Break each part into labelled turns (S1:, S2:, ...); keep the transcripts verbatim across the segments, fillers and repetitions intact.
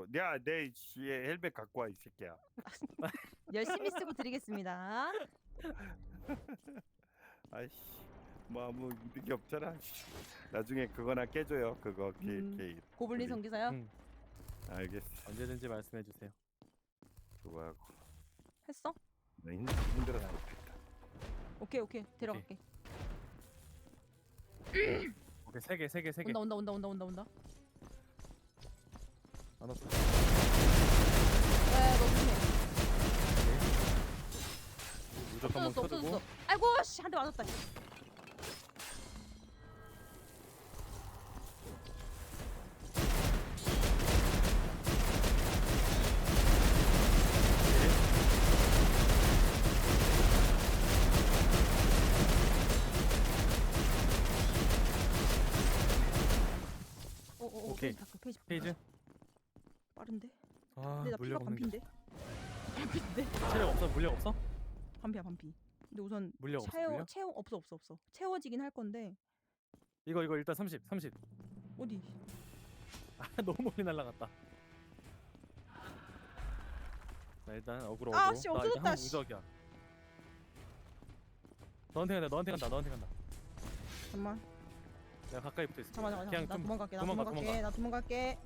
S1: 야내 헬멧 갖고 와 이 새끼야.
S2: 열심히 쓰고 드리겠습니다.
S1: 아이씨 뭐 아무 이득이 없잖아. 나중에 그거나 깨줘요. 그거 게,
S2: 음,
S1: 게,
S2: 고블린
S1: 우리.
S2: 성기사요?
S3: 응.
S1: 알겠어.
S3: 언제든지 말씀해 주세요.
S1: 그거하고
S2: 했어?
S1: 나 힘, 힘들어 나겠다.
S2: 오케이 오케이 데려갈게.
S3: 오케이 세 개, 세 개, 세 개.
S2: 온다 온다 온다 온다 온다 온다.
S3: 안 왔어.
S2: 야너 조심해.
S3: 무적 한번
S2: 없어졌어
S3: 켜두고.
S2: 없어졌어. 아이고 씨 한 대 맞았다. 오오오
S3: 오케이.
S2: 페이지 바꿔 페이지 바꿔.
S3: 페이지.
S2: 빠른데?
S3: 아
S2: 근데 나 피가
S3: 물력 없는 게.
S2: 반피인데? 반피인데?
S3: 체력 없어? 물력 없어?
S2: 반피야 반피. 근데 우선
S3: 물력 없어.
S2: 채워
S3: 물력?
S2: 채워 없어 없어 없어. 채워지긴 할 건데
S3: 이거 이거 일단 삼십, 삼십.
S2: 어디?
S3: 아 너무 멀리 날라갔다. 나 일단 어그로
S2: 아,
S3: 어그로.
S2: 씨,
S3: 나 이제
S2: 없어졌다,
S3: 한
S2: 씨.
S3: 무적이야. 너한테 간다, 너한테 간다, 너한테 간다.
S2: 잠만.
S3: 내가 가까이 붙어 있어.
S2: 잠만 잠만.
S3: 그냥
S2: 나
S3: 좀
S2: 도망갈게. 나
S3: 도망가,
S2: 도망갈게.
S3: 도망가.
S2: 나 도망갈게.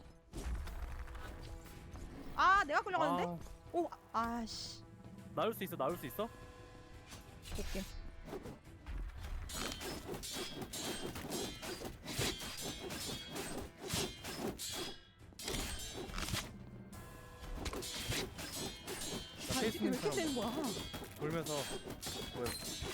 S2: 아 내가 끌려가는데?
S3: 아,
S2: 오 아씨.
S3: 나올 수 있어, 나올 수 있어?
S2: 볼게.
S3: 나
S2: 아, 이 새끼 왜 이렇게
S3: 페이스는
S2: 되는 거야?
S3: 돌면서 뭐야?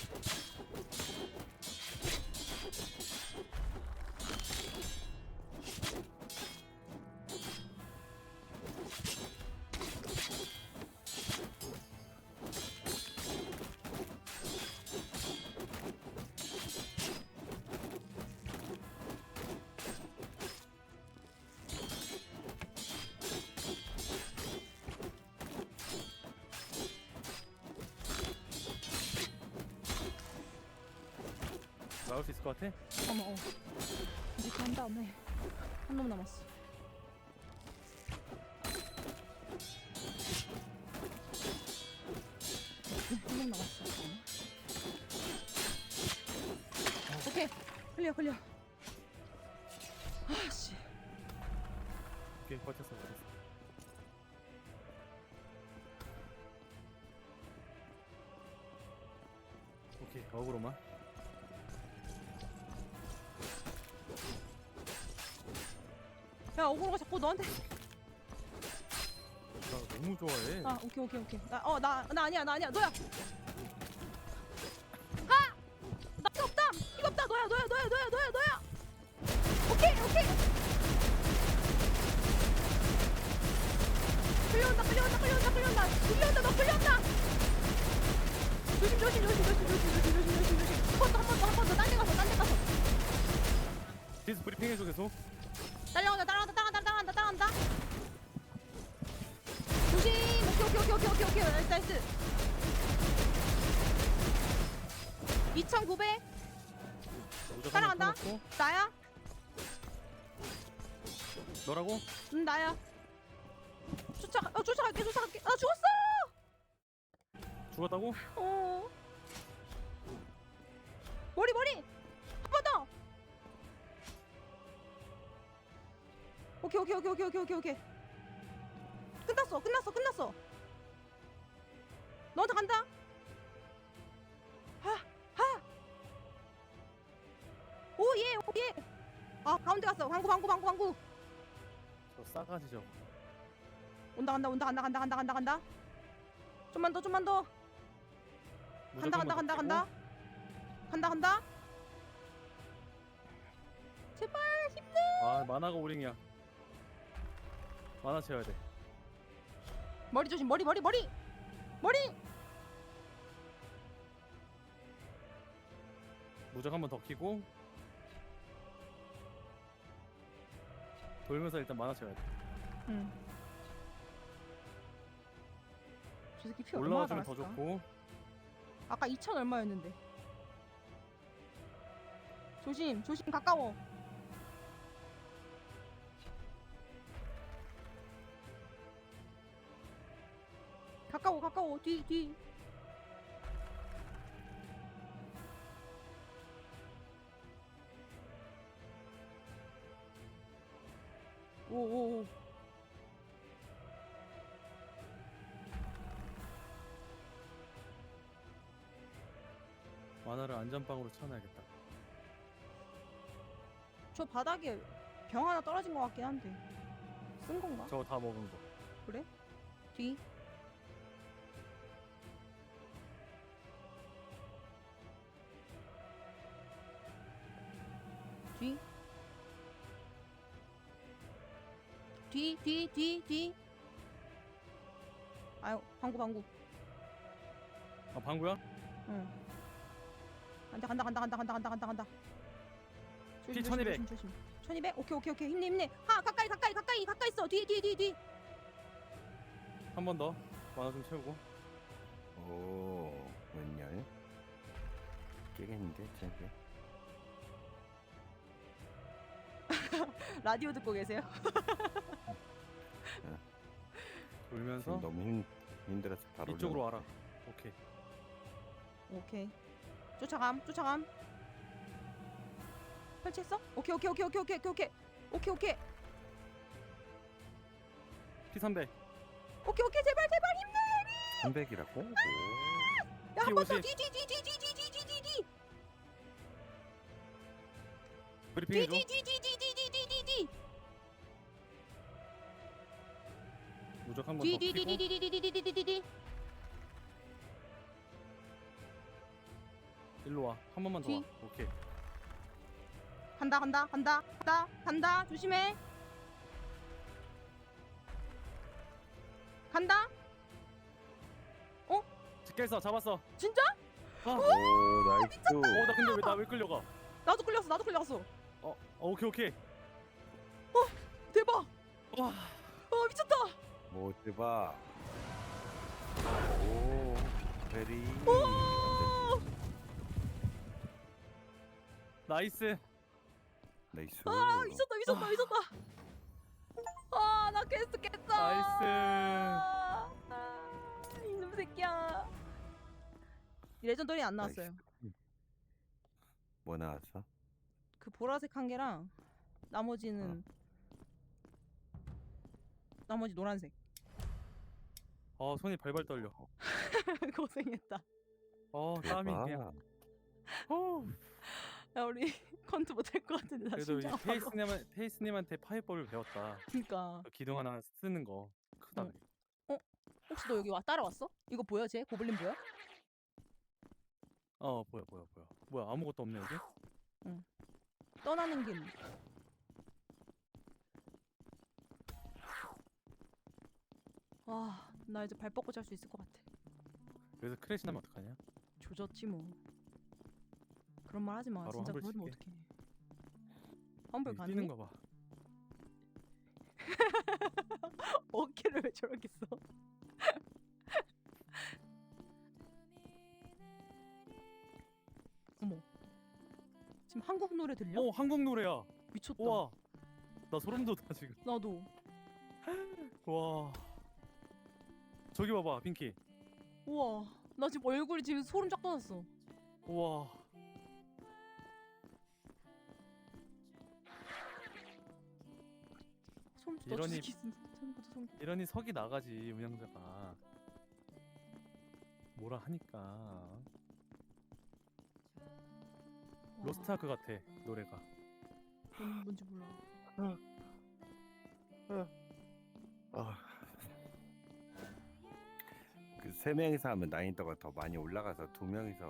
S3: 나올 수 있을 것 같아?
S2: 어머 어. 이렇게 한 다음에 한 놈 남았어. 한 놈 남았어. 오케이 클리어 클리어. 아씨.
S3: 오케이, 버텼어, 버텼어. 오케이, 어그로만.
S2: 야 어그로가 자꾸 너한테.
S3: 나 너무 좋아해.
S2: 아 오케이 오케이 오케이. 나어나 나 아니야 나 아니야 너야. 아! 나 이거 없다 이거 없다 너야 너야 너야 너야 너야 너야. 오케이 오케이. 끌려온다 끌려온다 끌려온다 끌려온다 끌려온다 너 끌려온다. 조심 조심 조심 조심 조심 조심 조심 조심 조심. 한 번 더 한 번 더 한 번 더 딴 데 가서 딴 데 가서.
S3: 디스 브리핑 해줘 계속.
S2: 따라온다 따라온다 따라온다 따라온다 따라온다. 조심. 오케이 오케이 오케이 오케이 오케이 나이스 나이스. 이천구백
S3: 무적
S2: 따라간다.
S3: 한번 켜놓고.
S2: 나야?
S3: 너라고?
S2: 응 나야. 쫓아 어 쫓아갈게 쫓아갈게. 아 죽었어.
S3: 죽었다고?
S2: 어. 머리 머리 한 번 더. 오케이 오케이 오케이 오케이 오케이 오케이 오케이. 끝났어 끝났어 끝났어. 너한테 간다. 하 하. 오예 오예. 아 가운데 갔어. 방구 방구 방구 방구.
S3: 저 싸가지 저거.
S2: 온다 간다 온다 간다 간다 간다 간다 간다. 좀만 더 좀만 더.
S3: 무적
S2: 간다 간다
S3: 한번
S2: 간다
S3: 더
S2: 간다. 간다 간다. 제발 힘내.
S3: 끼고. 아 만화가 오링이야. 만화 채워야 돼.
S2: 머리 조심 머리 머리 머리 머리.
S3: 무적 한번 더 키고. 돌면서 일단 만화 채워야 돼.
S2: 응. 저 새끼 피 얼마나
S3: 올라와주면 더
S2: 달았을까?
S3: 좋고.
S2: 아까 이천 얼마였는데. 조심 조심 가까워. 가까워 가까워 뒤 뒤. 오오오.
S3: 만화를 안전빵으로 채워놔야겠다.
S2: 저 바닥에 병 하나 떨어진 것 같긴 한데 쓴 건가?
S3: 저거 다 먹은 거.
S2: 그래? 뒤. 뒤. 뒤, 뒤, 뒤, 뒤. 아유, 방구, 방구.
S3: 아 방구야?
S2: 응. 간다, 간다, 간다, 간다, 간다, 간다, 간다, 간다.
S3: 피 천이백.
S2: 조심, 조심. 천이백? 오케이, 오케이, 오케이. 힘내, 힘내. 하, 가까이, 가까이, 가까이, 가까이 있어. 뒤, 뒤, 뒤, 뒤.
S3: 한 번 더. 만화 좀 채우고.
S1: 오, 웬열? 깨겠는데, 쟤네.
S2: 라디오 듣고 계세요?
S3: 돌면서
S1: 지금 너무 힘, 힘들어서 바로
S3: 이쪽으로 와라. 오케이.
S2: 오케이. 쫓아감, 쫓아감. 설치했어? 오케이, 오케이, 오케이, 오케이, 오케이, 오케이, 오케이, 오케이,
S3: 피 삼백.
S2: 오케이, 오케이, 제발, 제발 힘내.
S1: 삼백이라고? 오.
S2: 야, 한 번 더.
S3: 오십.
S2: 뒤, 뒤, 뒤, 뒤, 뒤, 뒤, 뒤, 뒤, 뒤, 뒤.
S3: 브리핑
S2: 뒤,
S3: 해줘.
S2: 뒤, 뒤, 뒤, 뒤, 뒤, 뒤, 뒤, 뒤, 뒤.
S3: 무적 한 번
S2: 뒤,
S3: 더
S2: 뒤, 뒤,
S3: 키고.
S2: 뒤, 뒤, 뒤, 뒤, 뒤, 뒤, 뒤, 뒤.
S3: 일로 와. 한 번만 더
S2: 뒤.
S3: 와. 오케이.
S2: 간다, 간다, 간다, 간다, 간다. 조심해. 간다.
S3: 직결서 잡았어.
S2: 진짜?
S3: 아.
S1: 오, 나이스.
S3: 어, 나 근데 왜 나 왜 끌려가?
S2: 나도 끌렸어, 나도 끌렸어.
S3: 어, 어 오케이 오케이.
S2: 대박.
S3: 와.
S2: 어, 미쳤다.
S1: 뭐, 대박. 오, 베리.
S2: 오.
S3: 나이스.
S1: 나이스.
S2: 아, 미쳤다, 미쳤다, 미쳤다. 아, 나 퀘스트 깼어.
S3: 나이스.
S2: 아, 이놈 새끼야. 레전더리 안 나왔어요.
S1: 나이스. 뭐 나왔어?
S2: 그 보라색 한 개랑 나머지는 나머지 노란색.
S3: 어 손이 발발 떨려.
S2: 고생했다.
S3: 어 땀이
S1: 대박.
S3: 그냥. 어.
S2: 야, 우리 컨트 못할 것 같은데 나
S3: 그래도 이
S2: 진짜 아파.
S3: 테이스님한 테이스님한테 파이법을 배웠다.
S2: 그러니까.
S3: 그 기둥 하나 쓰는 거 크다.
S2: 응. 혹시 너 여기 와 따라왔어? 이거 보여 쟤? 고블린 보여?
S3: 어 보여 보여 보여. 뭐야 아무것도 없네 여기?
S2: 떠나는 길. 와, 나 이제 발 뻗고 잘 수 있을 것 같아.
S3: 그래서 크래시 나면 어떡하냐?
S2: 조졌지 뭐. 그런 말 하지 마.
S3: 바로
S2: 진짜
S3: 환불
S2: 그러면
S3: 칠게.
S2: 어떡해. 환불
S3: 여기
S2: 가능해?
S3: 뛰는 거 봐.
S2: 어깨를 왜 저렇게 써? 어머. 지금 한국 노래 들려?
S3: 어 한국 노래야.
S2: 미쳤다.
S3: 우와. 나 소름 돋아 지금.
S2: 나도.
S3: 와. 저기 봐봐 핑키.
S2: 우와. 나 지금 얼굴이 지금 소름 쫙 돋았어.
S3: 우와.
S2: 소름 돋아.
S3: 이러니-
S2: 소름 돋아. 소름 돋아.
S3: 이러니 석이 나가지 운영자가. 뭐라 하니까.
S2: 와.
S3: 로스트아크 같아 노래가.
S2: 뭔, 뭔지 몰라.
S1: 아. 그 세 명이서 하면 난이도가 더 많이 올라가서 두 명이서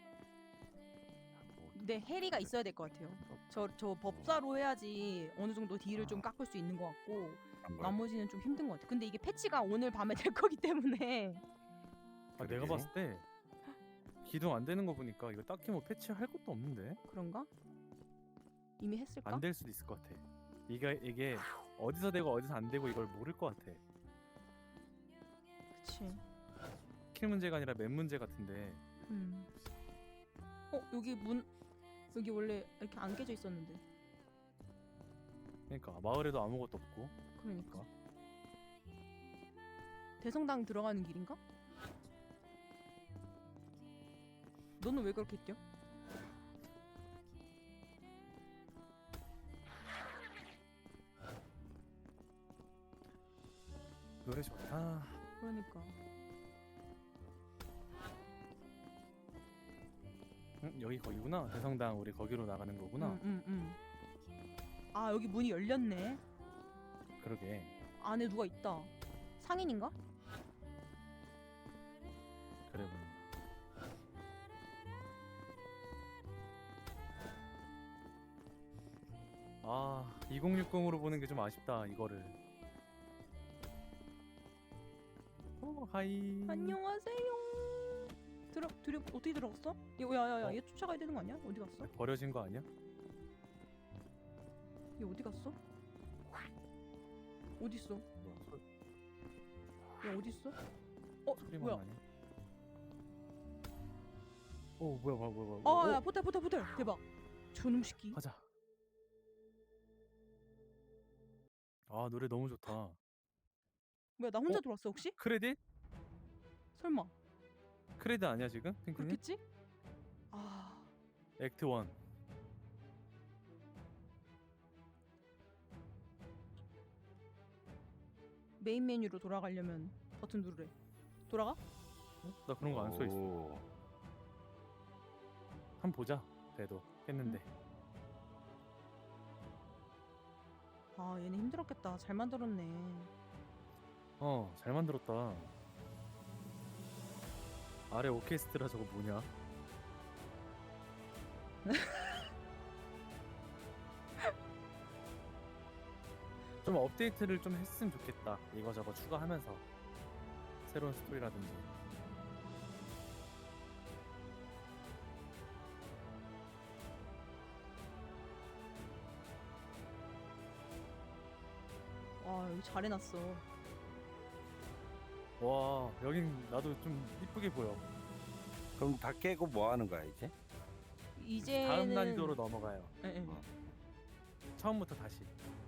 S1: 하고
S2: 근데 해리가 있어야 될 것 같아요. 저 저 법사로 해야지 어느 정도 딜을 좀 깎을 수 있는 것 같고
S1: 한 번.
S2: 나머지는 좀 힘든 것 같아. 근데 이게 패치가 오늘 밤에 될 거기 때문에
S3: 아, 내가
S1: 그러게.
S3: 봤을 때 기둥 안 되는 거 보니까 이거 딱히 뭐 패치할 것도 없는데
S2: 그런가? 이미 했을까?
S3: 안 될 수도 있을 것 같아. 이게 이게 어디서 되고 어디서 안 되고 이걸 모를 것 같아.
S2: 그치.
S3: 스킬 문제가 아니라 맵 문제 같은데.
S2: 음. 어 여기 문 여기 원래 이렇게 안 깨져 있었는데.
S3: 그러니까 마을에도 아무것도 없고.
S2: 그러니까. 대성당 들어가는 길인가? 너는 왜 그렇게 뛰어?
S3: 노래 좋다.
S2: 그러니까.
S3: 응, 여기 거기구나. 대성당 우리 거기로 나가는 거구나.
S2: 응, 응, 응. 아 여기 문이 열렸네.
S3: 그러게.
S2: 안에 누가 있다. 상인인가?
S3: 그래 보니. 아, 이공육공으로 보는 게 좀 아쉽다. 이거를. 오, 하이.
S2: 안녕하세요. 들어 들여 어떻게 들어갔어? 야야야
S3: 어?
S2: 얘 쫓아가야 되는 거 아니야? 어디 갔어?
S3: 버려진 거 아니야?
S2: 얘 어디 갔어? 어디 있어?
S3: 뭐야? 소,
S2: 얘 어디 있어? 어
S3: 소리만
S2: 뭐야?
S3: 나네. 오, 뭐야, 뭐야, 뭐야, 뭐야.
S2: 아야
S3: 오,
S2: 포탈 포탈 포탈 대박. 저놈 새끼.
S3: 가자. 아, 노래 너무 좋다.
S2: 뭐야 나 혼자
S3: 어?
S2: 들어왔어 혹시?
S3: 크레딧?
S2: 설마
S3: 크레딧 아니야 지금? 핑크님?
S2: 그렇겠지? 아
S3: 액트 원.
S2: 메인 메뉴로 돌아가려면 버튼 누르래. 돌아가?
S3: 어? 나 그런 거 안 써 있어.
S1: 오.
S3: 한번 보자. 그래도 했는데.
S2: 아 얘네 힘들었겠다. 잘 만들었네.
S3: 어, 잘 만들었다. 아래 오케스트라 저거 뭐냐? 좀 업데이트를 좀 했으면 좋겠다. 이거 저거 추가하면서 새로운 스토리라든지.
S2: 와 여기 잘 해놨어.
S3: 와, 여긴 나도 좀 이쁘게 보여.
S1: 그럼 다 깨고 뭐 하는 거야 이제?
S2: 이제는
S3: 다음 난이도로 넘어가요.
S2: 예, 예.
S1: 어.
S3: 처음부터 다시.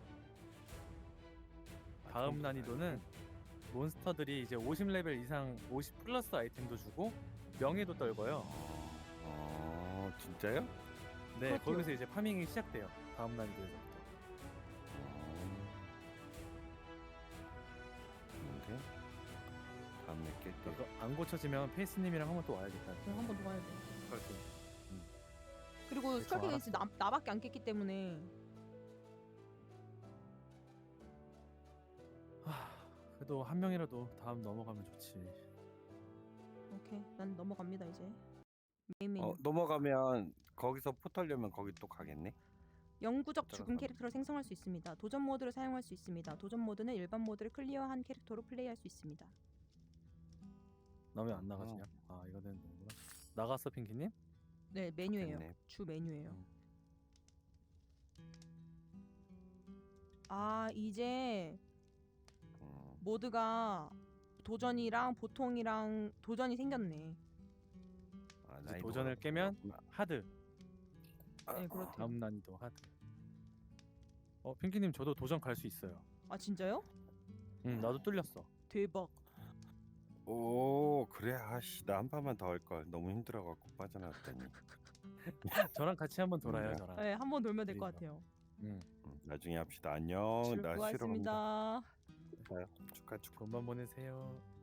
S1: 아,
S3: 다음
S1: 처음부터
S3: 난이도는 몬스터들이 이제 오십 레벨 이상 오십 플러스 아이템도 주고 명예도 떨고요.
S1: 어, 어 진짜요?
S3: 네,
S2: 그렇대요.
S3: 거기서 이제 파밍이 시작돼요. 다음 난이도에서부터.
S1: 어. 근데 다음에 깰 때.
S3: 그거 안 고쳐지면 페이스님이랑 한번 또 와야겠다.
S2: 그럼 한번 더 가야 돼.
S3: 그렇게.
S2: 그리고
S3: 대충
S2: 스컬킹
S3: 알았어.
S2: 에이스 나 나밖에 안 깼기 때문에
S3: 하, 그래도 한 명이라도 다음 넘어가면 좋지.
S2: 오케이 난 넘어갑니다 이제. 메인 메뉴.
S1: 어 넘어가면 거기서 포털려면 거기 또 가겠네.
S2: 영구적 죽음
S1: 따라서.
S2: 캐릭터를 생성할 수 있습니다. 도전 모드를 사용할 수 있습니다. 도전 모드는 일반 모드를 클리어한 캐릭터로 플레이할 수 있습니다.
S3: 나 왜 안 나가지냐? 아, 이거는 뭐구나. 나갔어, 핑키님?
S2: 네 메뉴예요.
S1: 좋겠네.
S2: 주 메뉴예요.
S3: 음.
S2: 아 이제
S1: 음.
S2: 모드가 도전이랑 보통이랑 도전이 생겼네.
S1: 아,
S3: 이제
S1: 나이도가
S3: 도전을 깨면
S1: 그렇구나.
S3: 하드.
S2: 네 그렇대요.
S3: 다음 난이도 하드. 어, 핑키님 저도 도전 갈 수 있어요.
S2: 아 진짜요?
S3: 응, 나도 뚫렸어.
S2: 대박.
S1: 오 그래 아씨 나 한 판만 더 할 걸 너무 힘들어갖고 빠져나왔더니.
S3: 저랑 같이 한번 돌아요,
S1: 음,
S3: 저랑.
S2: 네 한 번 돌면 될 것
S3: 그러니까.
S2: 같아요.
S3: 응.
S1: 음, 나중에 합시다. 안녕. 나 싫어.
S2: 수고하셨습니다.
S1: 축하 축하.
S3: 굿밤 보내세요.